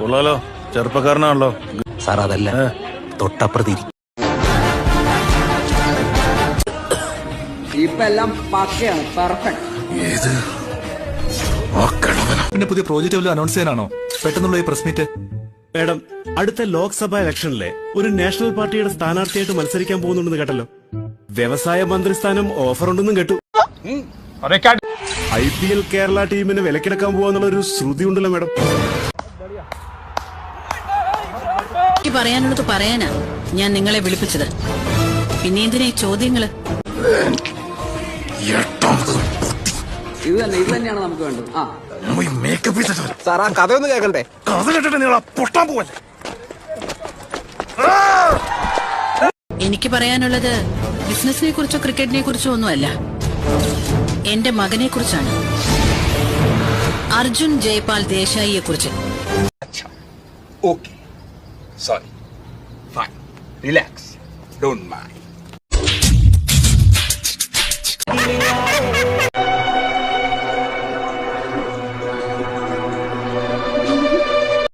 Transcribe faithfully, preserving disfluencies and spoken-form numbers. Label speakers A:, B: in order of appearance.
A: കൊള്ളാലോ, ചെറുപ്പക്കാരനാണല്ലോ
B: സാർ. അതല്ല, തൊട്ടപ്പുറത്തി
C: ഇപ്പെല്ലാം പക്കയാണ്, പെർഫെക്റ്റ്.
A: ഏത്
D: പിന്നെ പുതിയ പ്രോജക്റ്റ് വല്ലതും അനൗൺസ് ചെയ്യാനാണോ പെട്ടെന്നുള്ള ഈ പ്രസ് മീറ്റ്?
E: മാഡം, അടുത്ത ലോക്സഭാ ഇലക്ഷനിലെ ഒരു നാഷണൽ പാർട്ടിയുടെ സ്ഥാനാർത്ഥിയായിട്ട് മത്സരിക്കാൻ പോകുന്നുണ്ടെന്ന് കേട്ടല്ലോ. വ്യവസായ മന്ത്രിസ്ഥാനം ഓഫർ ഉണ്ടെന്നും കേട്ടു. ഐ പി എൽ കേരള ടീമിന് വിലക്കെടുക്കാൻ പോവാന്നുള്ള ഒരു ശ്രുതി ഉണ്ടല്ലോ മാഡം.
F: പറയാനുള്ളത് പറയാനാ ഞാൻ നിങ്ങളെ വിളിപ്പിച്ചത്. പിന്നെ എന്തിനാ ഈ ചോദ്യങ്ങള്?
C: ഇത് തന്നെ ഇത് തന്നെയാണ് നമുക്ക് വേണ്ടത്. ആ
B: സാർ, ആ കഥയൊന്നും കേൾക്കണ്ടേ?
A: കഥ കേട്ടിട്ട് നിങ്ങൾ പൊട്ടാൻ പോവല്ലേ?
F: എനിക്ക് പറയാനുള്ളത് ബിസിനസിനെ കുറിച്ചോ ക്രിക്കറ്റിനെ കുറിച്ചോ ഒന്നുമല്ല, എന്റെ മകനെ കുറിച്ചാണ്. അർജുൻ ജയ്പാൽ ദേശായിയെ കുറിച്ച്.
G: Okay. Sorry. Fine. Relax. Don't mind.